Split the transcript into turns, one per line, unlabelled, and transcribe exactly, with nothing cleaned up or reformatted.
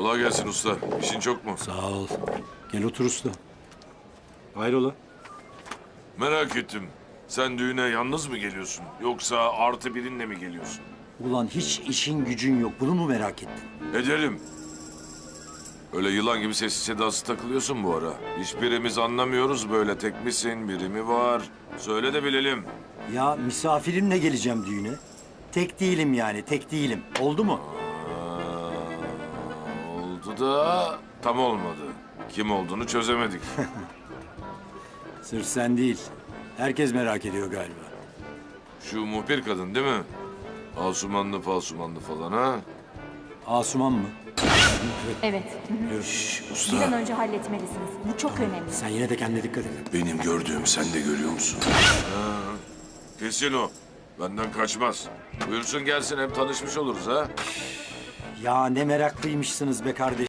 Kolay gelsin usta. İşin çok mu?
Sağ ol. Gel otur usta. Hayrola?
Merak ettim. Sen düğüne yalnız mı geliyorsun? Yoksa artı birinle mi geliyorsun?
Ulan hiç işin gücün yok. Bunu mu merak ettin?
Edelim. Öyle yılan gibi sessiz sedasız takılıyorsun bu ara. Hiçbirimiz anlamıyoruz böyle. Tek misin, biri mi var? Söyle de bilelim.
Ya misafirimle geleceğim düğüne. Tek değilim yani, tek değilim. Oldu mu?
Aa, oldu da tam olmadı. Kim olduğunu çözemedik.
Sırf sen değil. Herkes merak ediyor galiba.
Şu muhbir kadın değil mi? Asumanlı falsumanlı falan ha?
Asuman mı?
Evet.
Şş,
Bir
usta.
an önce halletmelisiniz. Bu çok önemli.
Sen yine de kendine dikkat et.
Benim gördüğüm sen de görüyor musun? Ha, kesin o. Benden kaçmaz. Buyursun gelsin hem tanışmış oluruz ha.
Ya ne meraklıymışsınız be kardeş.